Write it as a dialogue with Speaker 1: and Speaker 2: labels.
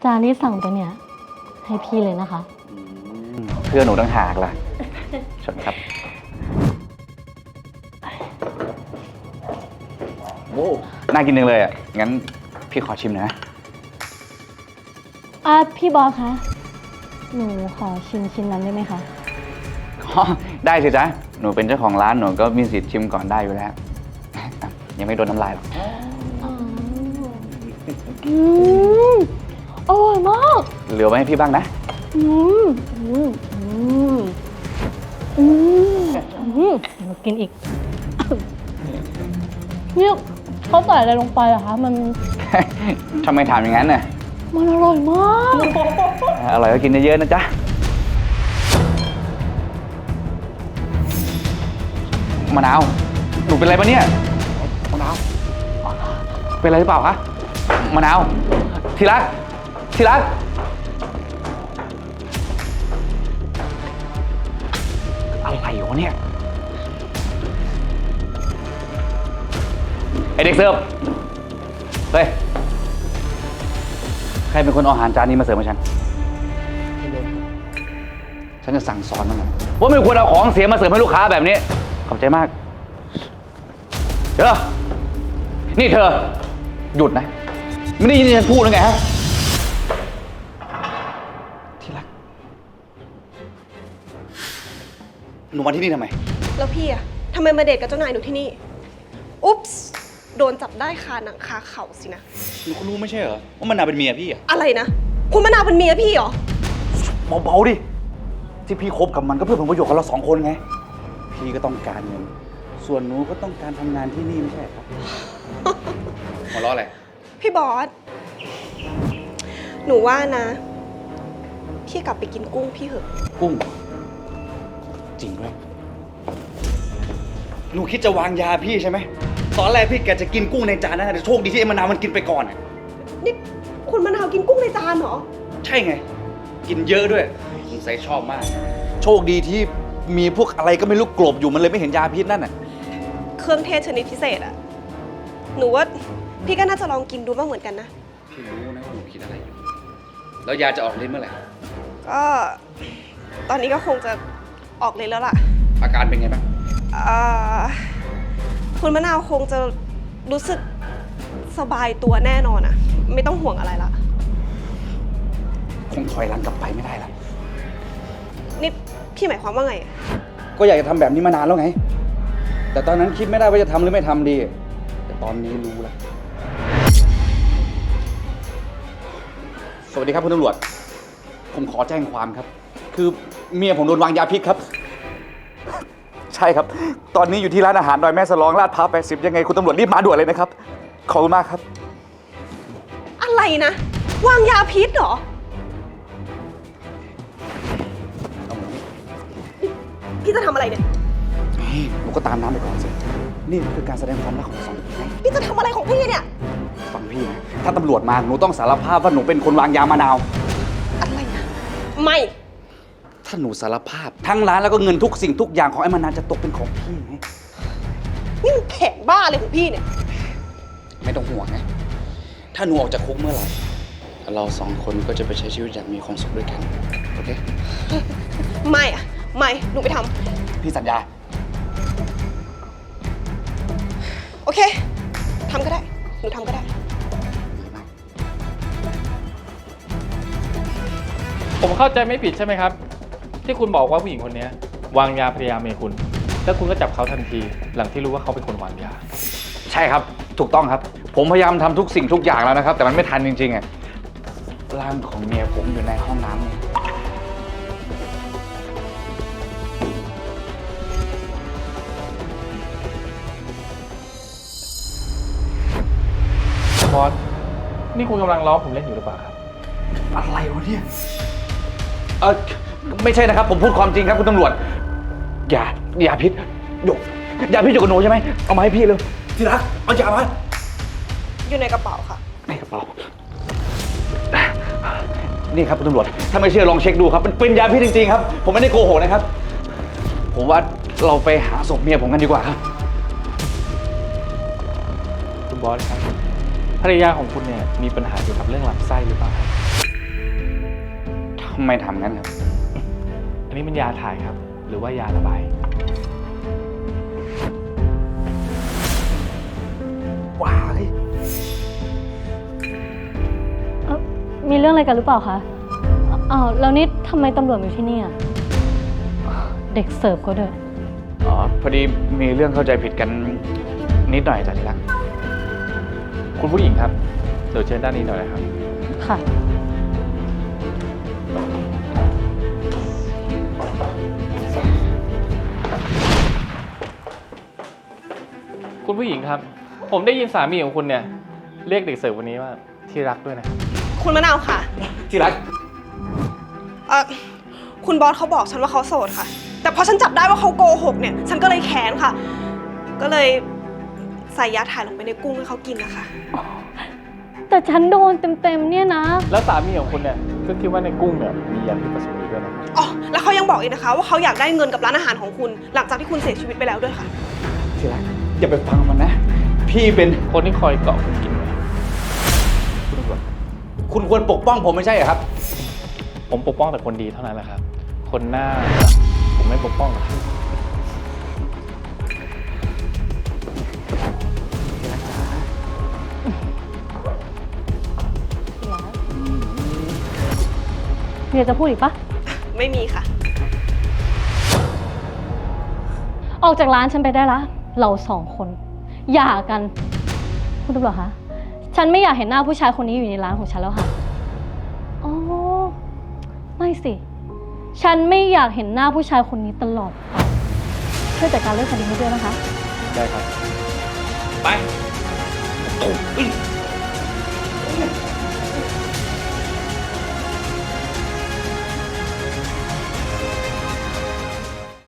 Speaker 1: านที่สั่งไปเนี่ยให้พี่เลยนะคะ
Speaker 2: เพื่อนหนูต่างหากล่ะชนครับโอ้น่ากินจังเลยอ่ะงั้นพี่ขอชิมหน่อยนะ
Speaker 1: พี่บอสคะหนูขอชิมชิ้นนั้นได้ไหมคะ
Speaker 2: ได้สิจ๊ะหนูเป็นเจ้าของร้านหนูก็มีสิทธิ์ชิมก่อนได้อยู่แล้วยังไม่โดนน้ำลายหรอก
Speaker 1: อร่อยมาก
Speaker 2: เหลือไว้ให้พี่บ้างนะ
Speaker 1: มากินอีกเนี่ยเขาใส่อะไรลงไปอะคะมัน
Speaker 2: ทำไมถามอย่างนั้นน่ะ
Speaker 1: มันอร่อยมาก
Speaker 2: อร่อยก็กินเยอะๆนะจ๊ะมะนาวหนูเป็นอะไรปะเนี่ยมะนาวเป็นอะไรหรือเปล่าคะมะนาวทีรักอะไรวะเนี่ยไอเด็กเสิร์ฟเฮ้ยใครเป็นคนเอาอาหารจานนี้มาเสิร์ฟให้ฉันจะสั่งสอนมันหน่อยว่าไม่ควรเอาของเสียมาเสิร์ฟให้ลูกค้าแบบนี้ขอบใจมากเดี๋ยวนี่เธอหยุดนะไม่ได้ยินฉันพูดหรือไงฮะที่รักหนูมาที่นี่ทำไม
Speaker 3: แล้วพี่อะทำไมมาเดทกับเจ้านายหนูที่นี่อุ๊ปส์โดนจับได้คาหนังคาเข่าสินะ
Speaker 2: หนูก็รู้ไม่ใช่เหรอว่ามันนาเป็นเมียพี่อะ
Speaker 3: อะไรนะคุณมะนาวเป็นเมียพี่เหรอ
Speaker 2: เบาๆดิที่พี่คบกับมันก็เพื่อผลประโยชน์ของเราสองคนไงพี่ก็ต้องการเงินส่วนหนูก็ต้องการทำงานที่นี่ไม่ใช่ครับหัวเราะอะไร
Speaker 3: พี่บอสหนูว่านะพี่กลับไปกินกุ้งพี่เหอะ
Speaker 2: กุ้งจริงด้วยหนูคิดจะวางยาพี่ใช่ไหมตอนแรกพี่แกจะกินกุ้งในจานนะแต่โชคดีที่ไอ้มะนาวมันกินไปก่อน
Speaker 3: นี่คุณมะนาวกินกุ้งในจานเหรอ
Speaker 2: ใช่ไงกินเยอะด้วยสงสัยชอบมากโชคดีที่มีพวกอะไรก็ไม่รู้กลบอยู่มันเลยไม่เห็นยาพิษนั่นน่ะ
Speaker 3: เครื่องเทศชนิดพิเศษอะหนูว่าพี่ก็น่าจะลองกินดูบ้างเหมือนกันนะ
Speaker 2: พี่รู้นะว่าหนูคิดอะไรอยู่แล้วยาจะออกฤทธิ์เมื่อไหร่
Speaker 3: ก็ตอนนี้ก็คงจะออกฤทธิ์แล้วล่ะ
Speaker 2: อาการเป็นไงบ้าง
Speaker 3: คุณมะนาวคงจะรู้สึกสบายตัวแน่นอนอะไม่ต้องห่วงอะไรละ
Speaker 2: คงถอยหลังกลับไปไม่ได้ละ
Speaker 3: นี่พี่หมายความว่าไง
Speaker 2: ก็อยากจะทำแบบนี้มานานแล้วไงแต่ตอนนั้นคิดไม่ได้ว่าจะทำหรือไม่ทำดีแต่ตอนนี้รู้แล้วสวัสดีครับคุณตำรวจผมขอแจ้งความครับคือเมียผมโดนวางยาพิษครับใช่ครับตอนนี้อยู่ที่ร้านอาหารดอยแม่สลองลาดพร้าว80ยังไงคุณตำรวจรีบมาด่วนเลยนะครับขอบคุณมากครับ
Speaker 3: อะไรนะวางยาพิษเหรอพี่จะทำอะไรเนี่ย
Speaker 2: หนูก็ตามน้ำไปก่อนสินี่คือการแสดงความรักของสองคนไง
Speaker 3: พี่จะทำอะไรของพี่เนี่ย
Speaker 2: ฟังพี่นะถ้าตำรวจมาหนูต้องสารภาพว่าหนูเป็นคนวางยามะนาว
Speaker 3: อะไรนะไม่
Speaker 2: ถ้าหนูสารภาพทั้งร้านแล้วก็เงินทุกสิ่งทุกอย่างของไอ้มะนาวจะตกเป็นของพี่ไง
Speaker 3: นี่มันแข็งบ้าเลยของพี่เนี่ย
Speaker 2: ไม่ต้องห่วงนะถ้าหนูออกจากคุกเมื่อไหร่เราสองคนก็จะไปใช้ชีวิตอย่างมีความสุขด้วยกันโอเค
Speaker 3: ไม่อะไม่หนูไปทำ
Speaker 2: พี่สัญญา
Speaker 3: โอเคทำก็ได้หนูทำก็ได้
Speaker 4: ผมเข้าใจไม่ผิดใช่ไหมครับที่คุณบอกว่าผู้หญิงคนนี้วางยาภรรยาเมียคุณแล้วคุณก็จับเขาทันทีหลังที่รู้ว่าเขาเป็นคนวางยา
Speaker 2: ใช่ครับถูกต้องครับผมพยายามทำทุกสิ่งทุกอย่างแล้วนะครับแต่มันไม่ทันจริงๆร่างของเมียผมอยู่ในห้องน้ำนี่
Speaker 4: บอสนี่คุณกำลังล้อผมเล่นอยู่หรือเปล่าครับ
Speaker 2: อะไรวะเนี่ยไม่ใช่นะครับผมพูดความจริงครับคุณตำรวจยาพิษหยกยาพิษอยู่กับหนูใช่ไหมเอามาให้พี่เลยที่รักเอายามา
Speaker 3: อยู่ในกระเป๋าค่ะ
Speaker 2: ในกระเป๋านี่ครับคุณตำรวจถ้าไม่เชื่อลองเช็คดูครับมันเป็นยาพิษจริงๆครับผมไม่ได้โกหกนะครับผมว่าเราไปหาศพเมียผมกันดีกว่าครับ
Speaker 4: คุณบอสครับภรรยาของคุณเนี่ยมีปัญหาเกี่ยวกับเรื่องลำไส้หรือเปล่า
Speaker 2: ไม่ทำงั้นครับ
Speaker 4: อันนี้มันยาถ่ายครับ หรือว่ายาระบาย
Speaker 2: ว้าย
Speaker 1: มีเรื่องอะไรกันหรือเปล่าคะอ้าวแล้วนี่ทำไมตำรวจอยู่ที่นี่อะเด็กเสิร์ฟก็ด้วย
Speaker 2: อ๋อ พอดีมีเรื่องเข้าใจผิดกันนิดหน่อยจ้ะที่รัก
Speaker 4: คุณผู้หญิงครับ เดี๋ยวเชิญด้านนี้หน่อยนะครับ
Speaker 1: ค่ะ
Speaker 4: คุณผู้หญิงครับ ผมได้ยินสามีของคุณเนี่ย เรียกเด็กเสิร์ฟวันนี้ว่าที่รักด้วยนะครับ
Speaker 3: คุณมะนาวค่ะ
Speaker 2: ที่รัก
Speaker 3: คุณบอสเขาบอกฉันว่าเขาโสดค่ะ แต่พอฉันจับได้ว่าเขาโกหกเนี่ย ฉันก็เลยแค้นค่ะ ก็เลยใส่ยาถ่ายลงไปในกุ้งให้เขากินนะคะ
Speaker 1: แต่ฉันโดนเต็มๆเนี่ยนะ
Speaker 4: แล้วสามีของคุณเนี่ยก็คิดว่าในกุ้งเนี่ยมียาพิษผสมอยู่ด้วยนะครับ
Speaker 3: อ๋อ แล้วเขายังบอกอีกนะคะ ว่าเขาอยากได้เงินกับร้านอาหารของคุณ หลังจากที่คุณเสียชีวิตไปแล้วด้วยค่ะ
Speaker 2: ที่รัก อย่าไปฟังมันนะ พี่เป็น
Speaker 4: คนที่คอยเกาะคุณกินไว้
Speaker 2: คุณตำรวจคุณควรปกป้องผมไม่ใช่เหรอครับ
Speaker 4: ผมปกป้องแต่คนดีเท่านั้นแหละครับ คนหน้าผมไม่ปกป้องหรอกครับ
Speaker 1: เมียจะพูดอีกปะ
Speaker 3: ไม่มีค่ะ
Speaker 1: ออกจากร้านฉันไปได้ละ เราสองคนหย่ากัน คุณตำรวจคะ ฉันไม่อยากเห็นหน้าผู้ชายคนนี้อยู่ในร้านของฉันแล้วค่ะ อ๋อ ไม่สิ ฉันไม่อยากเห็นหน้าผู้ชายคนนี้ตลอดไปช่วยจัดการเรื่องคดีนี้ด้วยนะคะ
Speaker 4: ได้ครับ
Speaker 2: ไป